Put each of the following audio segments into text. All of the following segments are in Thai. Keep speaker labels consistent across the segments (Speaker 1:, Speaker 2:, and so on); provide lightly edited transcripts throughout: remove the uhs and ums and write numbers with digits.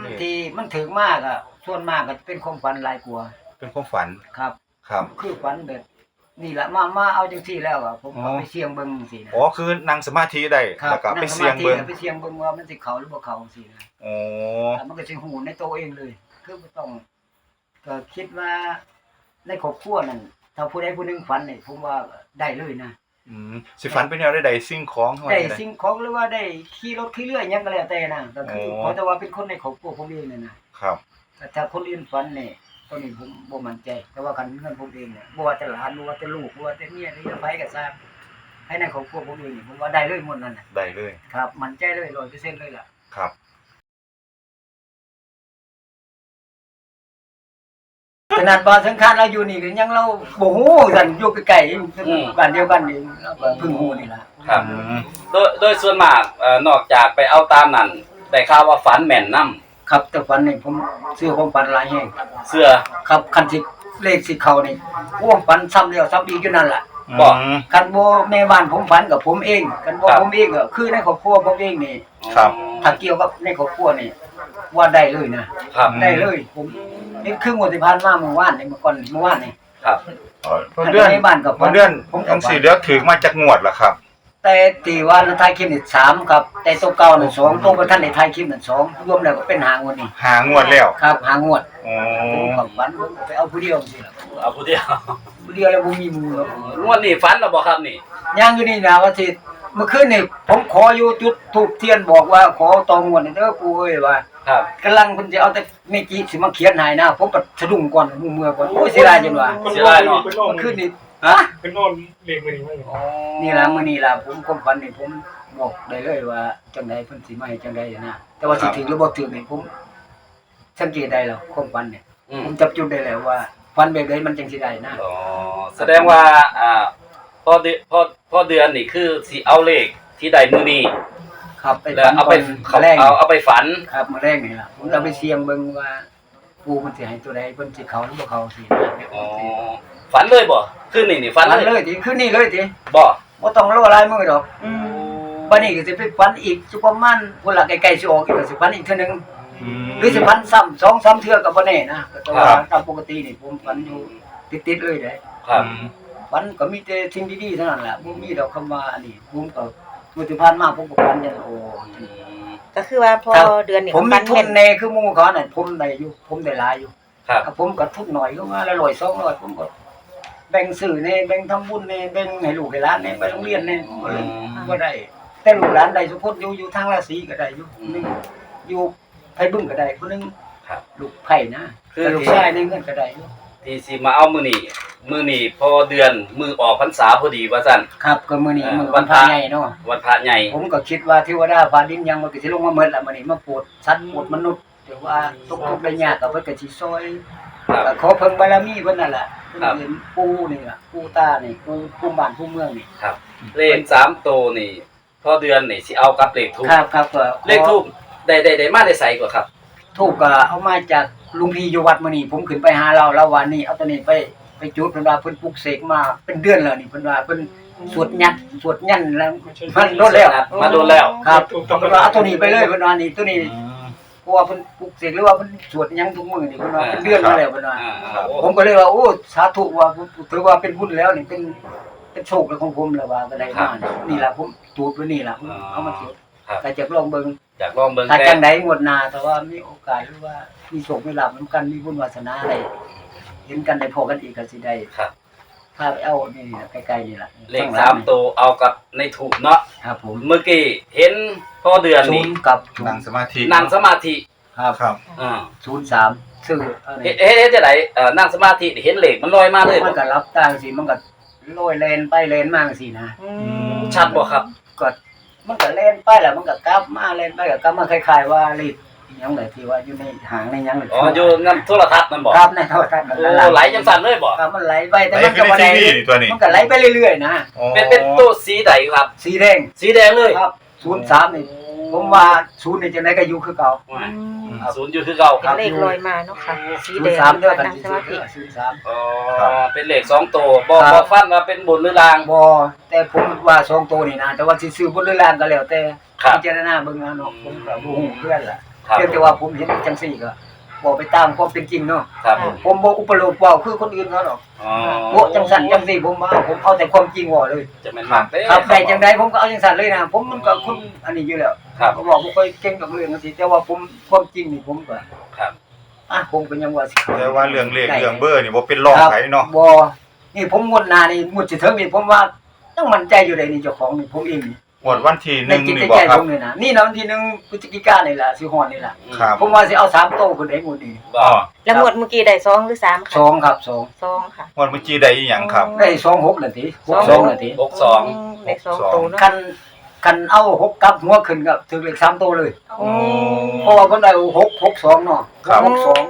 Speaker 1: ที่มันถึงมากอ่ะส่วนมากก็เป็นความฝันหลายกว่า
Speaker 2: เป็นความฝัน
Speaker 1: ครับ
Speaker 2: ครับ
Speaker 1: คือฝันแบบนี่แหละมาเอาจังซี่แล้วอ่ะผมก็ไปเสี่ยงเบิ่งจังซี่นะ
Speaker 2: อ๋อคือนั่งสมาธิได้แล้วก็ไปเสี่ยงเบิ่ง
Speaker 1: ไปเสี่ยงเบิ่งว่ามันสิเข้าหรือบ่เข้าจังซี่นะ
Speaker 2: อ๋อ
Speaker 1: มันก็สิฮู้ในตัวเองเลยคือบ่ต้องก็คิดว่าในครอบครัวนั่นถ้าผู้ใดผู้หนึงฝันนี่ผมว่าได้เลยนะ
Speaker 2: สิฝันเป็นแนวใดสิ่งของ
Speaker 1: ได้สิ่งของหรือว่าได้ขี่รถขี่เรือหยังก็แล้วแต่นะก็คือขอแต่ว่าเป็นคนในครอบครัวผมเองนี่นะครับแต่ถ้าคนอื่นฝันนี่ตอนนี้ผมบ่มั่นใจแต่ว่าคันเงินผมเองเนี่ยบ่ว่าแต่หลานบ่ว่าแต่ลูกบ่ว่าแต่เมียหรือไผก็ทราบให้ในครอบครัวผมเองนี่ผมว่าได้เลยหมดนั่นน่ะ
Speaker 2: ได้เลย
Speaker 1: ครับมั่นใจเลย 100% เลยล่ะ
Speaker 2: ครับ
Speaker 1: ขนาดบ่สังขารเราอยู่นี่ก็ยังเราบ่ฮู้กันอยู่ใกล้ๆบ้านเดียวกันนี่เราก็เพิ่งฮู้นี่ล่ะ
Speaker 3: ครับโดยส่วนมากนอกจากไปเอาตามนั้นได้ข่าวว่าฝันแม่นนำ
Speaker 1: ครับแต่ฝันนี่ผมเชื่อความฝันหลายแฮง
Speaker 3: เชื่อ
Speaker 1: ครับคันสิเลขสิเข้านี่โอ้ฝันซ้ำแล้วซ้ำอีกอยู่นั่นล่ะ
Speaker 3: บ่
Speaker 1: คันบ่แม่บ้านผมฝันกับผมเองคันบ่ผมเองก็คือในครอบครัวผมเองนี่
Speaker 2: ครับ
Speaker 1: ถ้าเกี่ยวกับในครอบครัวนี่ว่าได้เลยนะครับได้เลยผมนี่ครึ่งวันที่ผ่านมาเมื่อวานนี่เมื่อวานนี่
Speaker 3: ครับ
Speaker 2: เดือนผมจังสิเหลือถึงมาจากงวดล่ะครับ
Speaker 1: แต่ที่ว่าท้ายคลิปนี่3ครับแต่ตัวเก่านั่น2ตัวบ่ทันได้ท้ายคลิปนั่น2รวมแล้วก็เป็น5งวดนี่
Speaker 2: 5งวดแล้ว
Speaker 1: ครับ5งวด
Speaker 2: อ๋อ
Speaker 1: ผมฝันไปเอาผู้เดียวสิล่ะ
Speaker 3: เอาผู้เดียว
Speaker 1: แล้วบ่มีหมู่หรอก
Speaker 3: งวดนี้ฝันแล้วบ่ครับนี่
Speaker 1: ยังอยู่นี่นะว่าสิเมื่อคืนนี่ผมขออยู่จุดธูปเทียนบอกว่าขอตองวดนี่เด้อปู่เอ้ยว่า
Speaker 3: ครับ
Speaker 1: กำลังเพิ่นสิเอาแต่เมจิสิมาเขียนให้นะผมก็สะดุ้งก่อนเมื่อก่อนโอ้ยเสียดายจังว่า
Speaker 3: เสียดายเนาะ
Speaker 1: เมื่อคืนนี่ฮะ
Speaker 4: เป็นนอนเลขมื้อนี้
Speaker 1: อ๋อนี่ล่ะมื้อนี้ล่ะผมความฝันนี่ผมบอกได้เลยว่าจังได๋เพิ่นสิมาให้จังได๋นะแต่ว่าสิถึงหรือบ่ถึงนี่ผมสังเกตได้แล้วความฝันเนี่ยผมจับจุดได้แล้วว่าฝันแบบใดมันจังสิได้นะ
Speaker 3: อ๋อแสดงว่าพอเดือนนี่คือสิเอาเลขที่ได้มื้อนี้
Speaker 1: ครับไป
Speaker 3: เอาไปฝัน
Speaker 1: ครับมื้อแรกนี่ล่ะผมจะไปเสี่ยงเบิ่งว่าปู่มันสิให้ตัวใดเพิ่นสิเข้าหรือบ่เข้าสิ
Speaker 3: อ๋อฝันเลยบ่คืนนี้ฝัน
Speaker 1: เลยติคืนนี้เลยติ
Speaker 3: บ่
Speaker 1: ต้องรอหลายมื้อดอกบัดนี้ก็สิไปฝันอีกสุประมาณพุ่นล่ะใกล้ๆสิออกอีกก็สิฝันอีกเทื่อนึงหรือสิฝันซ้ำ 2-3 เทื่อก็บ่แน่นะแต่ว่าตามปกตินี่ผมฝันอยู่ติดๆเลยเด้
Speaker 3: ครับ
Speaker 1: ฝันก็มีแต่สิ่งดีๆเท่านั้นแหละบ่มีดอกคำว่าอันนี้ผมก็มื้อที่ผ่านมาผมก็ฝันจังโอ้
Speaker 5: ก็คือว่าพอเดือนนี้
Speaker 1: ผมมีทุนแน่คือหมู่เขาน่ะผมได้อยู่ผมได้หลายอยู่
Speaker 3: ครับ
Speaker 1: ผมก็ทุนน้อยก็ว่าละ100 200ผมก็แบ่งซื้อแน่แบ่งทำบุญแน่แบ่งให้ลูกให้หลานแน่ไปโรงเรียนแน่บ่ได้แต่ลูกหลานได้ทุกคนอยู่ทางราศีก็ได้อยู่นึงอยู่ไผบึ้งก็ได้คนนึง
Speaker 3: ครับ
Speaker 1: ลูกไผนะคือลูกชายในเงินก็ได้อยู่
Speaker 3: ที่สิมาเอามื้อนี้พอเดือนมือออกพรรษาพอดีว่าซั่น
Speaker 1: ครับก็มื้อนี้มื้อวันพระใหญ่เนาะ
Speaker 3: วันพระใหญ่
Speaker 1: ผมก็คิดว่าเทวดาฟ้าดินยังมันก็สิลงมาหมดแล้วมื้อนี้มาโปรดสัตว์โปรดมนุษย์แต่ว่าทุกข์ได้ยากก็เพิ่นก็สิซอยก็ขอเพิ่งบารมีเพิ่นนั่นล่ะเพิ่นเห็นปู่นี่ล่ะปู่ตานี่ปู่บ้านปู่เมืองนี่
Speaker 3: ครับเลข3ตัวนี่พอเดือนนี่สิเอากับเลขทูป
Speaker 1: ครับก็
Speaker 3: เลขทูปได้มาได้ใส่กว่าครับ
Speaker 1: ทูปก็เอามาจากลุงพี่อยู่วัดมื้อนี้ผมขึ้นไปหาเราวันนี้เอาตัวนี้ไปจุดเพิ่นว่าเพิ่นปลุกเสกมาเป็นเดือนแล้วนี่เพิ่นว่าเพิ่นสวดยันแล้วมันโดนแล้ว
Speaker 3: มาโดนแล้ว
Speaker 1: ครับเพิ่นว่าเอาตัวนี้ไปเลยเพิ่นว่านี่ตัวนี้เพราะว่าเพิ่นปลุกเสกหรือว่าเพิ่นสวดหยังทุกมื้อนี่เพิ่นว่าเป็นเดือนมาแล้วเพิ่นว่าผมก็เลยว่าโอ้สาธุว่าถือว่าเป็นบุญแล้วนี่เป็นโชคของผมแล้วว่าก็ได้มานี่ล่ะผมจูดไว้นี่ล่ะเอามาจุดแต่จะลองเบิ่งถ้าจังได๋งวดหน้าแต่ว่ามีโอกาสหรือว่ามีโชคมีลาภนำกันมีบุญวาสนาอะไรเห็นกันได้พอกันอีกก็สิได้
Speaker 3: ครับ
Speaker 1: ถ้าไปเอานี่ใกล้ๆนี่ล่ะ
Speaker 3: เลข3ตัวเอากับในถูกเนาะ
Speaker 1: ครับผม
Speaker 3: เมื่อกี้เห็นพอเดือนนี้
Speaker 1: กับ
Speaker 2: นั่งสมาธิ
Speaker 1: ครับ03ชื่อ
Speaker 3: เฮ็ดจังได๋นั่งสมาธิเห็นเลขมันลอยมาเลย
Speaker 1: มันก็รับตาสิมันก็ลอยแล่นไปแล่นมาจังซี่นะ
Speaker 3: ชัดบ่ครับ
Speaker 1: ก็มันก็แล่นไปแล้วมันก็กลับมาแล่นไปก็กลับมาคล้ายๆว่าลีดหยังไดที่ว่าอยู่ในหางในหยัง
Speaker 3: อ๋ออยู่นำโทรทัศน์นั่นบ่
Speaker 1: ครับในโทรทัศน์นั่น
Speaker 3: ล่ะไหลจังซั่นเลยบ่
Speaker 1: ครับมันไหลไปแต่มันก็บ่ได้มันก็ไหลไปเรื่อยๆนะ
Speaker 3: เป็นตัวสีใดครับ
Speaker 1: สีแดง
Speaker 3: เลย
Speaker 1: ครับ03นี่ผมว่า0นี่จังได๋ก็อยู่คือเก่า
Speaker 3: 0อยู่คือเก่า
Speaker 5: ครับเลขลอยมาเนาะค่ะ
Speaker 1: สีแดง3เด้อกัน03
Speaker 3: อ๋อเป็นเลข2ตัวบ่ฟันว่าเป็นบนหรือล่าง
Speaker 1: บ่แต่ผมว่า2ตัวนี่นะแต่ว่าสิซื้อบนหรือล่างก็แล้วแต่พิจารณาเบิ่งเอาเนาะผมก็บ่ฮู้เพื่อนล่ะ
Speaker 3: ครับ
Speaker 1: เพียงแต่ว่าผมเห็นจังซี่ก็บอกไปตามความเป็นจริงเนาะ
Speaker 3: ครับผม
Speaker 1: ผมบ่อุปโลกเว้าคือคนอื่นเขาหรอก
Speaker 3: อ๋อ
Speaker 1: โอ้จังสั่นจังซี่ผมเอาแต่ความจริงเว้าเลย
Speaker 3: จะเป็นหมักเด้
Speaker 1: ครับได้จังไดผมก็เอาจังสั่นเลยนะผมมันก็คนอันนี้อยู่แล้ว
Speaker 3: ครับ
Speaker 1: ผมบอกบ่ค่อยเก่งกับเรื่องจังซี่แต่ว่าผมความจริงนี่ผมก็
Speaker 3: ครับ
Speaker 1: ผมก็ยังว่าสิ
Speaker 2: แต่ว่าเรื่องเลขเรื่องเบอร์นี่บ่เป็นรองไผเนาะ
Speaker 1: บ่นี่ผมงวดหน้านี่งวดสิถึงนี่ผมว่ายังมั่นใจอยู่ได้นี่เจ้าของนี่ผมเองนี่
Speaker 2: งวดวันที่
Speaker 1: ใน
Speaker 2: 1
Speaker 1: จิต
Speaker 2: นี่
Speaker 1: ใจ
Speaker 2: บ่ครั
Speaker 1: ผ
Speaker 2: บ
Speaker 1: มนี่นะนี่นะวันที่1พฤศจิกายนนี่ล่ะสิฮอดนี่ล่ะ
Speaker 2: ครับ
Speaker 1: ผมว่าสิเอา3โตพุ่นได้งวดนี้
Speaker 3: บ่
Speaker 2: อ๋อ
Speaker 5: แล้วงวดเมื่อกี้ได้2หรือ3ค่ะ
Speaker 1: 2ครับ2
Speaker 5: 2ค่ะ
Speaker 2: งวดเมื่อกี้ได้อีหยังครับ
Speaker 1: ได้26นาที62นาที
Speaker 3: 62
Speaker 5: ได้2โตเนาะ
Speaker 1: คันเอา6กับหัวขึ้นก็ถึงเลข3โตเลย
Speaker 5: โอ้
Speaker 1: เพราะว่าเพิ่นได้662เนาะ
Speaker 2: ครับ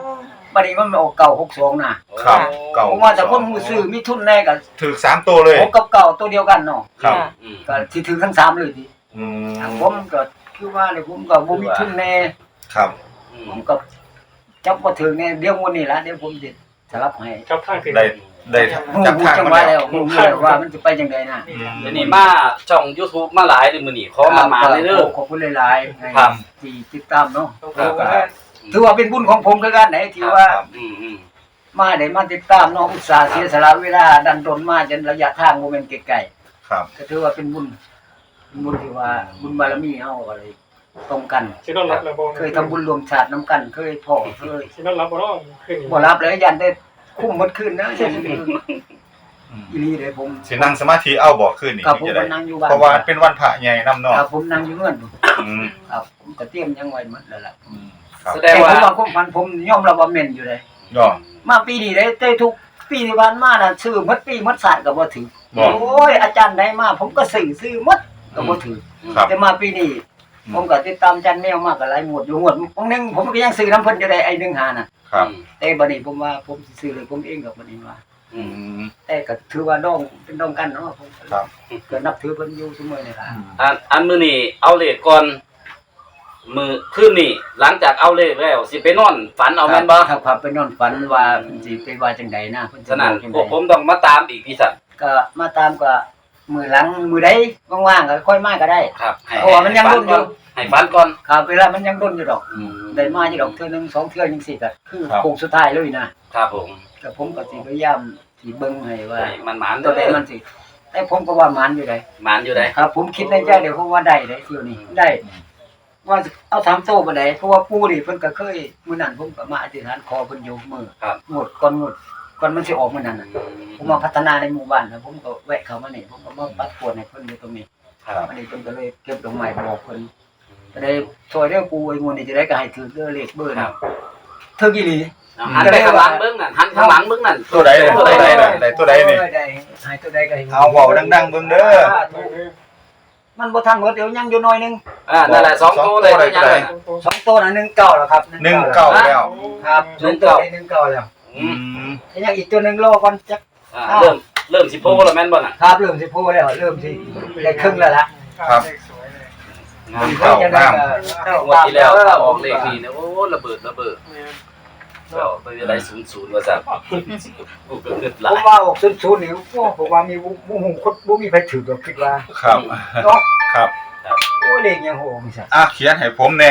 Speaker 1: 62บัดนี้มันออก962น่ะ
Speaker 2: ครับ เก่า
Speaker 1: ผมว่าแต่คนฮู้ซื้อมีทุนแน่ก็
Speaker 2: ถึก3ตัวเลย
Speaker 1: 6กับ9ตัวเดียวกันเนาะ
Speaker 2: ครับ
Speaker 3: อืม
Speaker 1: ก็สิถึงทั้ง3เลยที
Speaker 2: อืม
Speaker 1: ผมก็คือว่าเลยผมก็บ่มีทุนแน่
Speaker 2: ครับ
Speaker 3: อืม
Speaker 1: ผมก็จับบ่ถึงแน่เดี๋ยวมื้อนี้ล่ะเดี๋ยวผมสิสลับให้
Speaker 4: จับทางขึ้น
Speaker 2: ได้จับทาง
Speaker 1: จัง
Speaker 2: มา
Speaker 1: ว่า
Speaker 2: แล้
Speaker 1: แล้ว วฮู้แล้วว่ามันจะไปจังไดน่ะ
Speaker 2: อืม
Speaker 3: เดี๋ยวนี้มาช่อง YouTube มาหลายเดือนมื้อนี้ขอมาเลยเด้อ
Speaker 1: ขอบคุณหลายๆ
Speaker 3: ครับ
Speaker 1: ที่ติดตามเนาะ
Speaker 4: ครับ
Speaker 1: ถือว่าเป็นบุญของผมคือกันไหนที่ว่า
Speaker 2: ครับ
Speaker 3: อืม
Speaker 1: มาได้มาติดตามน้องอุตสาห์เสียสละเวลาดันดนมาจนระยะทางบ่แม่นไกล
Speaker 2: ครับ
Speaker 1: ๆก็ถือว่าเป็นบุญที่ว่าบุญบารมีเฮาอะไรตรงกัน
Speaker 4: สินอนรับแล้วบ่
Speaker 1: เคยทำบุญรวมชาตินํกันเคยพ่อเคย
Speaker 4: สินอนรับบ่เนาะขึ้น
Speaker 1: บ่รับเลยยันได้คุ้มหมดคืนนะยัน
Speaker 2: อืม
Speaker 1: อีหลีเลยผม
Speaker 2: สินั่งสมาธิเอาบ่คืนนี่
Speaker 1: ครับผม
Speaker 2: จะ
Speaker 1: ก็
Speaker 2: ได้
Speaker 1: นั่งอยู่บ้าน
Speaker 2: เพราะว่าเป็นวันพระใหญ่นำเนาะ
Speaker 1: ครับผมนั่งอยู่เงิน
Speaker 2: อืม
Speaker 1: ครับผมก็เตรียมยังไว้หมดแล้วล่ะ
Speaker 2: อืมครับ
Speaker 3: แสด
Speaker 1: แต่
Speaker 3: ง
Speaker 1: ผม
Speaker 3: ว่า
Speaker 1: ว่าความฝันผมยอมรับว่าแม่นอยู่เลย
Speaker 2: ก็
Speaker 1: มาปีนี้ได้ทุกปีที่ผ่านมาน่ะซื้อหมดปีหมดศาสตร์ก็บ่ถึง
Speaker 2: บ่
Speaker 1: โอ้ยอาจารย์ใดมาผมก็ซื้อหมดก็บ่ถึง
Speaker 2: ครับ
Speaker 1: แต่มาปีนี้
Speaker 2: อืม
Speaker 1: ผมก็ติดตามอาจารย์แมวมาก็หลายหมวดอยู่หมวดบางนึงผมก็ยังซื้อน้ำเพิ่นอยู่ได้ไอ้1.5น่ะ
Speaker 2: ครับ
Speaker 1: แต่บัดนี้ผมว่าผมสิซื้อเลยผมเองก็บัดนี้ว่า
Speaker 3: อื
Speaker 2: อื
Speaker 3: ม
Speaker 2: ม
Speaker 1: แต่ก็ถือว่าน้องเป็นน้องกันเนาะผม
Speaker 2: ครับ
Speaker 1: ก็นับถือเพิ่นอยู่เสมอนี่ล่ะ
Speaker 3: อันมื้อนี้เอาเลขก่อนมื้อคืนนี้หลังจากเอาเลขแล้วสิไปนอนฝันเอาแม่นบ่
Speaker 1: ครับไปนอนฝันว่าเพิ่นสิไปว่าจังใดนะเพิ่นสิ
Speaker 3: ฉะนั้น
Speaker 1: บอกจัง
Speaker 3: พวก
Speaker 1: ใด
Speaker 3: ผมต้องมาตามอีกพี่สัน
Speaker 1: ก็มาตามก็มื้อหลังมื้อใดว่างๆก็ค่อยมาก็ได้
Speaker 3: ครับให้
Speaker 1: เพราะว่ามันยังรุ่นอยู่
Speaker 3: ให้ฝันก่อน
Speaker 1: ครับเวลามันยังด้นอยู่ดอก
Speaker 3: อืม
Speaker 1: ได้มาอยู่ดอกเทื่อหนึงสองเทื่อจังซี่ก็คือ
Speaker 2: ครับ
Speaker 1: โค้งสุดท้ายเลยนะครับ
Speaker 3: ผม
Speaker 1: ก็ผมก็สิพยายามสิเบิ่งให้ว่า
Speaker 3: ให้มันหมาน
Speaker 1: ตัวใดมันสิแต่ผมก็ว่ามันอยู่ได้
Speaker 3: หมานอยู่ได้
Speaker 1: ครับ ผมคิดในใจเดี๋ยวผมว่าได้เที่ยวนี้ได้ ว่าสิเอา3โตบ่ได้เพราะว่าปู่นี่เพิ่นก็เคยมื้อนั้นผมก็มาอธิษฐานขอเพิ่นอยู่มื้อ
Speaker 3: ครับ
Speaker 1: งวดก่อนมันสิออกมื้อนั้นน่ะผมมาพัฒนาในหมู่บ้านนะผมก็แวะเข้ามานี่ผมก็มาปัดกวดให้เพิ่นอยู่ตรงนี้
Speaker 3: ครับ
Speaker 1: อันนี้เพิ่นก็เลยเก็บดอกไม้บอกเพิ่นก็ได้ช่วยเด้อปู่ไอ้มื้อนี้จะได้ก็ให้ถือเด้อเลขเบอร์
Speaker 3: ครั
Speaker 1: นะ
Speaker 3: บ
Speaker 1: ถึกอีหลี
Speaker 3: เอาหันไปข้างหลังเบิ่งนั่นหันข้างหลังเบิ่งนั่น
Speaker 2: ตัวใดเนี่ยตัวใดเนี่ยได้ตัวใดนี่
Speaker 1: ได้ให้ตัวใดก็ให้
Speaker 2: เอาเว้าดังๆเบิ่งเด้อ
Speaker 1: มันบ่ทันหมดเดี๋ยวยังอยู่หน่อยนึง
Speaker 3: นั่นแหละ2ตัวเลยตัวยังไง
Speaker 1: สองตัวน่ะ19แล้วครับ
Speaker 2: 19แล้ว
Speaker 1: ครับ1ตัวได้19แล้ว
Speaker 3: อืม
Speaker 2: อืม
Speaker 1: ยังอีกตัวหนึงรอก่อนจัก
Speaker 3: เริ่มสิโพแล้วแม่นบ่น่ะ
Speaker 1: ครับเริ่มสิพูดแล้วเริ่มสิได้ครึ่งแล้วล่ะ
Speaker 2: ครับ
Speaker 3: งาม
Speaker 2: เก้าน้
Speaker 3: งวดที่แล้วถ้าออกเลขนี้นะโอ้ระเบิดก็ไปอะไร00ว่าซั่นกูก็เกิดห
Speaker 1: ผ
Speaker 3: ลาย
Speaker 1: มว่าออกศูนย์นี่ผมว่ามีบ่ฮู้คนบ่มีไผถือดอกคิดว่า
Speaker 2: ครับ
Speaker 1: เนาะ
Speaker 2: ครับ
Speaker 1: โอ้เลขยังโหมีซะ
Speaker 2: เขียนให้ผมแน่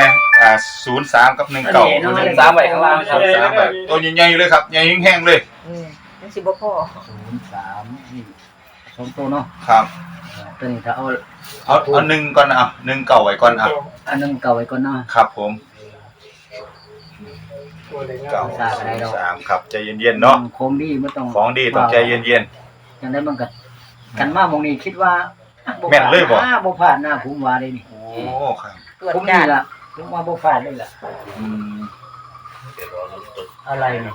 Speaker 2: 03กับ19
Speaker 1: อันนี้เนาะ
Speaker 3: 3ไว้ข้างล่างครับ
Speaker 2: 03แบบตัวใหญ่ๆเลยครับใหญ่แห้งๆเลย
Speaker 5: มันสิบ่พอ
Speaker 1: 03นี่สองตัวเนาะ
Speaker 2: ครับ
Speaker 1: ตัวนี้ถ้าเอา
Speaker 2: เอา1ก่อนนะ1เก่าไว้ก่อน
Speaker 1: อันนึงเก่าไว้ก่อนเนาะ
Speaker 2: ครับผม
Speaker 4: ตัวเล็ก
Speaker 2: เก่า
Speaker 1: สาอะไรดอก
Speaker 2: 3ครับใจเย็นๆเนาะ
Speaker 1: คงดีบ่ต้อง
Speaker 2: ของดีต้องใจเย็น
Speaker 1: จังได๋มันก็กันมาหม่องนี้คิดว่า
Speaker 2: แม่นเลยบ่
Speaker 1: บ่ผ่านหน้าผมว่าได้นี่
Speaker 2: ๆโอ้ครับ
Speaker 5: ตรวจ
Speaker 1: ผม
Speaker 5: จา
Speaker 1: นี่
Speaker 5: น
Speaker 1: ล่ะผมว่าบ่ผ่านเลยล่ะ
Speaker 2: อืม
Speaker 1: อะไรเนี่ย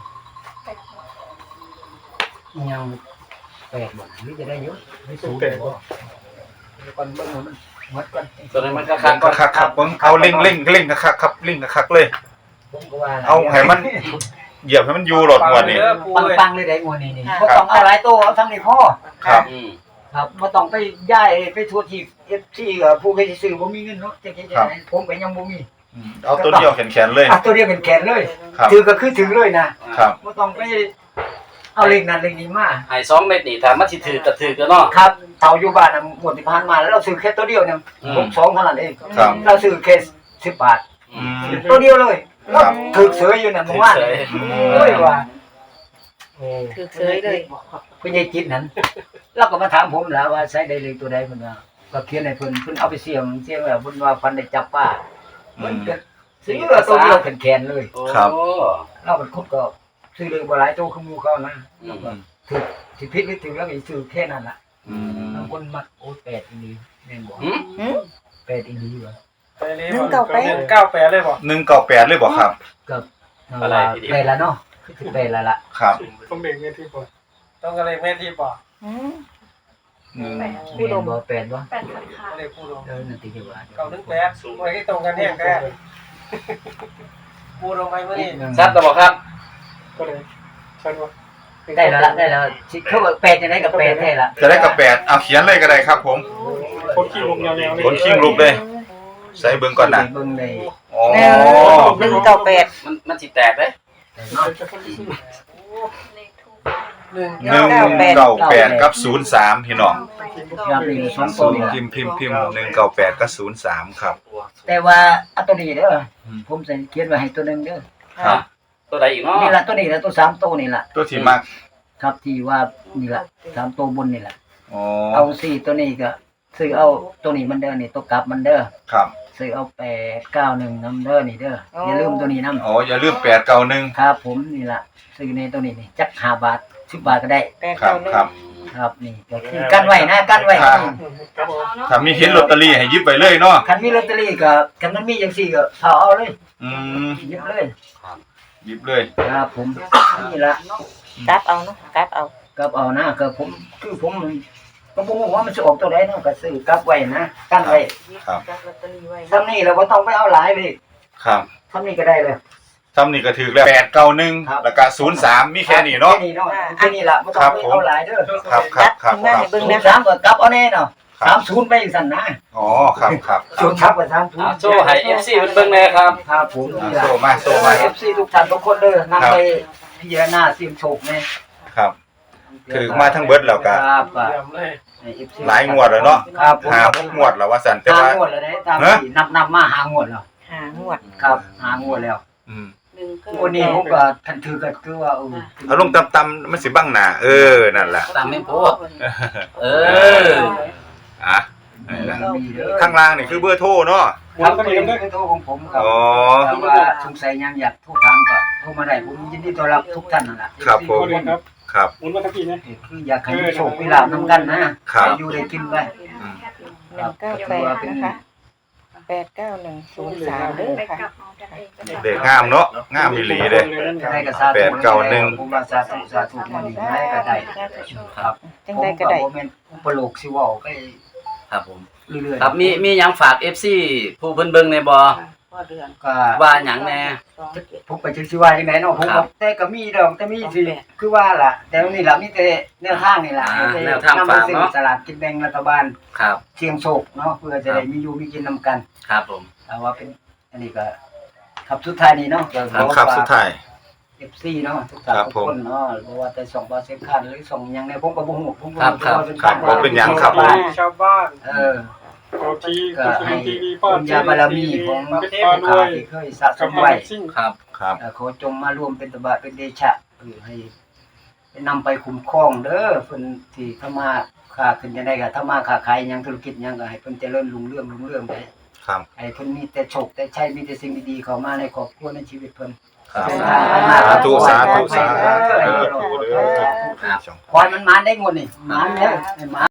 Speaker 1: ยังแปลกบ่หรือจะได้เยอะไม่สูงแต่บ่ก่อนเบิ่งว่ามันหมดก่อน
Speaker 3: ตัวนั้นมันคักๆก่อน
Speaker 2: คักครับเบิ่งเอาเร่งคักๆครับเร่งคักๆเลย
Speaker 1: ผมก็ว่า
Speaker 2: เอาให้มันเหยียบให้มันอยู่รถงวดนี่
Speaker 1: ปังๆเลยได้งวดนี้นี่บ่ต้องเอาหลายโตเอาทั้งนี้พอ
Speaker 2: ครับ
Speaker 1: ครับบ่ต้องไปย้ายไปทั่วที่ FC ก็ผู้เคยซื้อบ่มีเงินเนาะจังๆๆผมก็ยังบ่มี
Speaker 2: เอาตัวเดียวแขนๆเลย
Speaker 1: อ่ะตัวเดียวเป็นแขนเลย
Speaker 2: ครับ
Speaker 1: ถือก็คือถือเลยนะครับ บ่ต้องไปเอาเลขนั้นเลขนี้มา
Speaker 3: ให้2เม็ดนี่ถ้ามันสิถือก็ถือก็เนาะ
Speaker 1: ครับเฒ่าอยู่บ้านน่ะหมดที่ผ่านมาแล้วเราซื้อแค่ตัวเดียวเนี่ย62เท่านั้นเอง
Speaker 2: ครับ
Speaker 1: เราซื้อแค่10 บาทตัวเดียวเลยแล้วถึกเสยอยู่นั่นเมื่อวานโอ้ยว่า
Speaker 5: ถือเสยเลย
Speaker 1: เพิ่นยายจิตนั้นเราก็มาถามผมแล้วว่าใช้ได้เลขตัวใดเพิ่นว่าก็เขียนให้เพิ่นเอาไปเสี่ยงแล้วเพิ่นว่าฟันได้จับป้ามันก็ซื้อตัวเดียวแขนๆเลย
Speaker 2: ครับ
Speaker 1: เราเป็นคนก็ซื้อเลยบ่หลายตัวคือหมู่เขานะถูกสิผิดหรือถูกแล้วก็ซื้อแค่นั้นล่ะบางคนมักโอ้8อีหลีแม่นบ่8อีหลีวะ
Speaker 4: ไปเลย198เลยบ่
Speaker 2: 198เลยบ่ครับ
Speaker 1: กับอะไรไปแล้วเนาะคือสิไปแล้วล่ะ
Speaker 2: ครับ
Speaker 4: ต้องเด็กเมทีบ่ต้องอะไรเมทีบ่
Speaker 1: แม่นบ่8บ่
Speaker 4: เลขผู้ลง
Speaker 1: นั่นติจะว่า
Speaker 4: 918ไว้ให้ตรงกันแท้แท้ผู้ลงไปมื้อนี้
Speaker 3: ชัดแล้วบ่ครับ
Speaker 4: ก็เลยชัดว่า
Speaker 1: ได้แล้วสิเขาว่า8จังได๋ก็8แท้ล่ะ
Speaker 2: จะได้กับ8เอาเขียนเลยก็ได้ครับผม
Speaker 4: คนขี้ลงแนวๆ
Speaker 2: คนคิงลุกเลยใส่เบิ่งก่อนนะ
Speaker 1: เบิ่งได้
Speaker 2: อ๋อ
Speaker 5: 198
Speaker 3: มันสิแตกเด้
Speaker 2: 198กับ03พี่น้อง
Speaker 1: ยามนี้2ตัวนี่
Speaker 2: พิมพ์198กับ03ครับ
Speaker 1: แต่ว่าอันตัวนี้เด้อผมสิเขียนไว้ให้ตัวนึงเด้อ
Speaker 2: ครับ
Speaker 3: ตัวใดอีกเนาะ
Speaker 1: นี่ล่ะตัวนี้ล่ะตัว3ตัวนี่ล่ะ
Speaker 2: ตัวที่มัก
Speaker 1: ครับที่ว่านี่ล่ะ3ตัวบนนี่ล่ะ
Speaker 2: อ๋อ
Speaker 1: เอา4ตัวนี้ก็ซื้อเอาตัวนี้มันเด้อนี่ตัวกลับมันเด้อ
Speaker 2: ครับ
Speaker 1: ซื้อเอา891นำเด้อนี่เด้ออย่าลืมตัวนี้นำ
Speaker 2: อ๋ออย่าลืม891
Speaker 1: ครับผมนี่ล่ะซื้อในตัวนี้นี่จัก5บาท10บาทก็ได้
Speaker 2: ครับครับ
Speaker 1: ครับนี่ก็คือกันไว้นะกันไว้
Speaker 2: ครับ ถ้ามีเห็นลอตเตอรี่ให้หยิบไปเลยเนาะ
Speaker 1: คันมีลอตเตอรี่ก็คันมันมีจังซี่ก็เอาเลย
Speaker 2: อืม
Speaker 1: หยิบเลย
Speaker 2: หยิบเลย
Speaker 1: ครับผมนี่ล่ะ
Speaker 5: กลับเอาเนาะกลับเอา
Speaker 1: กับเอานะก็ผมคือผมก็บ่ฮู้ว่ามันสิออกตัวใดเนาะก็ซื้อกลับไว้นะกันไว้
Speaker 2: ครับ
Speaker 5: กลับลอตเตอรี่ไว้
Speaker 1: ทำนี่เราบ่ต้องไปเอาหลายเลย
Speaker 2: ครับ
Speaker 1: ทำนี่ก็ได้เลย
Speaker 2: ทำนี่ก็ถือแล้ว891แล้วก็03มีแค่นี้เนาะ
Speaker 1: แค่นี้เนาะแค่นี้ล่ะบ่ต้องไปเอาหลายเด้อ
Speaker 2: ครับครับครับ
Speaker 5: มา
Speaker 2: ครับ
Speaker 5: ให้เบิ่ง
Speaker 1: ศู
Speaker 5: นะ
Speaker 1: นย์สามก็กลับเอาแน่เนาะ30ไปสั่นนะ
Speaker 2: อ๋อครับครับ
Speaker 1: ศูนย์ทับกับ30
Speaker 3: โชว์ให้ FC เพิ่นเบิ่งแน่ครับ
Speaker 1: ครับผม
Speaker 2: โซมาโซมา
Speaker 1: FC ทุกท่านทุกคนเด้อนำไปพิจารณาเสี่ยงโชคแน่
Speaker 2: ครับ ถือมาทั้งเบิดแล้วก็
Speaker 1: ครับ
Speaker 4: เยี่ยมเลย
Speaker 1: FC
Speaker 2: หลายงวดแล้วเนาะ
Speaker 1: ครับผม
Speaker 2: 5-6งวดแล้วว่าซั่นแต่ว่า
Speaker 1: หางวดแล้วเด้ตามที่นับมาหางวดแล้ว
Speaker 5: 5งวด
Speaker 1: ครับหางวดแล้ว
Speaker 2: อืม
Speaker 1: งวดนี้ผมก็ทันถือก็คือว่า
Speaker 2: เอาลงต่ำๆมันสิบังหน้านั่นแหละ
Speaker 3: ตามแม่นโพเออ
Speaker 2: อ่ะนั่นแหละข้างล่างนี่คือเบอร์โทรเนาะ
Speaker 1: ครับก็เป็นโทรของผมครับ
Speaker 2: อ๋อ
Speaker 1: ถ้าว่าสงสัยยังอยากโทรถามก็โทรมาได้ผมยินดีต้อนรับทุกท่านนั่นแหละ
Speaker 2: ครับผม
Speaker 4: ครับ
Speaker 2: ครับ
Speaker 4: หมุนมาตะกี้นะ
Speaker 1: คืออยากให้มีโชคมีลาภนำกันนะครับ ให้อยู่ได้กินไป
Speaker 2: อืม
Speaker 5: 198นะคะ89103เด้อค่ะ
Speaker 2: เด็กงามเนาะงามอีหลีเด้
Speaker 1: ได้ก็สาธุผมว่าสาธุมาดีได้ก็ได้ครับ
Speaker 5: จังได๋ก็ได้
Speaker 1: ผมบ่แม่นอุปโลกสิเว้าไป
Speaker 3: ครับผม
Speaker 1: เรื่อยๆ
Speaker 3: ครับมีหยังฝาก FC ผู้เพิ่นเบิ่งในบ่
Speaker 1: ก็
Speaker 3: ว่าหยังแน่
Speaker 1: ผมไปจังสิว่าจังไดเนาะผมก็แต่ก็มีดอกแต่มีสิคือว่าล่ะแต่นี่ล่ะมีแต่แนวทางนี่ล่ะนำไปซื้อสลากกินแบ่งรัฐบาล
Speaker 3: ครับ
Speaker 1: เสี่ยงโชคเนาะเพื่อจะได้มีอยู่มีกินนำกัน
Speaker 3: ครับผม
Speaker 1: แต่ว่าเป็นอันนี้ก็ครับสุดท้ายนี้เนาะ
Speaker 2: ครับสุดท้าย
Speaker 1: FC เนาะทุกท่านทุกคนเนาะบ่ว่าแต่2บาท10คันหรือ2หยังในผมก็บ่ฮู้ผมก็
Speaker 2: บ่เป็นหยังครับ
Speaker 4: ชาวบ้าน
Speaker 1: ก็
Speaker 4: ที
Speaker 1: ให้
Speaker 4: ทีวี
Speaker 1: บุญญาบารมีของผู้ข้าที่เคยสะสมไว้
Speaker 3: ครับ
Speaker 2: ครับ
Speaker 1: ขอจงมาร่วมเป็นตบะเป็นเดชะให้นำไปคุ้มครองเด้อเพิ่นที่ทำมาค้าขึ้นจังได๋ก็ทำมาค้าขายหยังธุรกิจหยังก็ให้เพิ่นเจริญรุ่งเรืองไป
Speaker 2: ครับ
Speaker 1: ให้เพิ่นมีแต่โชคแต่ชัยมีแต่สิ่งดีๆเข้ามาในครอบครัวในชีวิตเพิ่น
Speaker 2: ครับ
Speaker 1: สา
Speaker 2: สา
Speaker 1: ธุ
Speaker 2: ธุสาธุสาธุ
Speaker 1: ขอให้มันมาได้งวดนี่มาแล้วให้มา